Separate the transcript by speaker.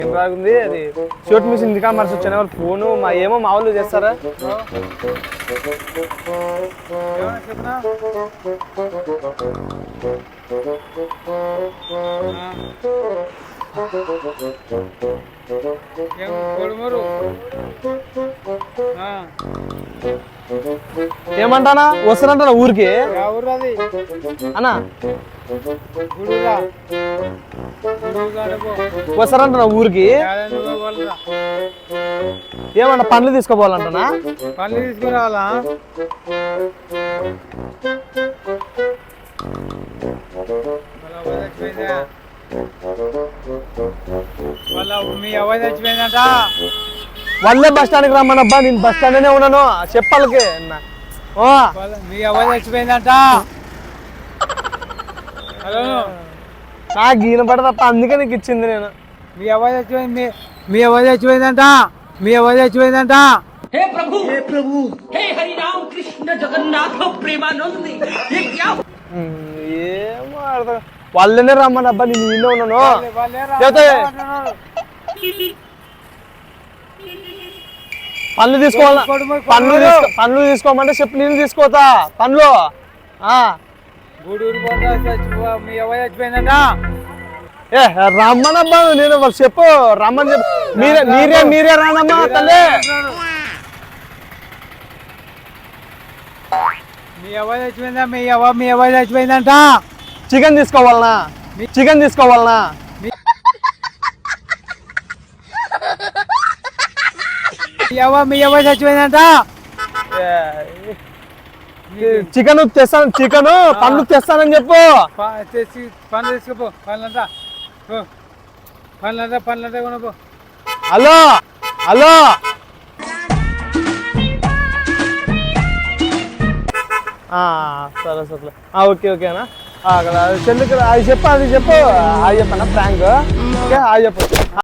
Speaker 1: ఏం బాగుంది అది షూట్ మిషన్ ఇంకా మర్చి వచ్చాను వాళ్ళు ఫోను మా ఏమో మా వాళ్ళు చేస్తారా ఏమంటానా వస్తానంటానా ఊరికి అన్నా వస్తారంటానా ఊరికి ఏమన్నా పండ్లు తీసుకోపోవాలంటనా
Speaker 2: పండ్లు తీసుకురావాలా మీ అవ్వ చచ్చిపోయిందంట
Speaker 1: వాళ్ళే బస్ స్టాండ్కి రమ్మనబ్బా నేను బస్ స్టాండ్లోనే ఉన్నాను చెప్పాలకి
Speaker 2: మీ అవ్వ చచ్చిపోయిందంట హలో
Speaker 1: నాకు ఈయన పడ తప్ప అందుకే నీకు ఇచ్చింది నేను
Speaker 2: మీ అవ్వ చచ్చిపోయింది మీ అవ్వ చచ్చిపోయిందంట మీ అవ్వ చచ్చిపోయిందంట
Speaker 3: हे प्रभु हे हरि राम कृष्ण जगन्नाथ प्रेमानंद ये क्या
Speaker 1: ఏమో అర్థం వాళ్ళనే రమ్మనబ్బా నేను ఈయన ఉన్నాను పండ్లు తీసుకోవాలా పండ్లు తీసుకోమంటే చెప్పు నేను తీసుకోతా పండ్లు
Speaker 2: గూడూరు మీ అవ్వ చచ్చిపోయిందంట
Speaker 1: ఏ రమ్మనబ్బా నేను వాళ్ళు చెప్పు రమ్మని చెప్పు మీరే రానమ్మా తల్లి
Speaker 2: మీ అవ్వ చచ్చిపోయిందా మీ అవ్వ చచ్చిపోయిందంట
Speaker 1: చికెన్ తీసుకోవాలనా
Speaker 2: మీ అవ్వ చచ్చిపోయిందంట
Speaker 1: చికెన్ పండ్లు తెస్తానని చెప్పు
Speaker 2: తెచ్చి పండ్లు తీసుకుపో పండ్లంతా కొనపో
Speaker 1: హలో సరే ఓకేనా అక్కడ చెల్లికి అది చెప్పన్నా ప్రాంక్ ఓకే చెప్పు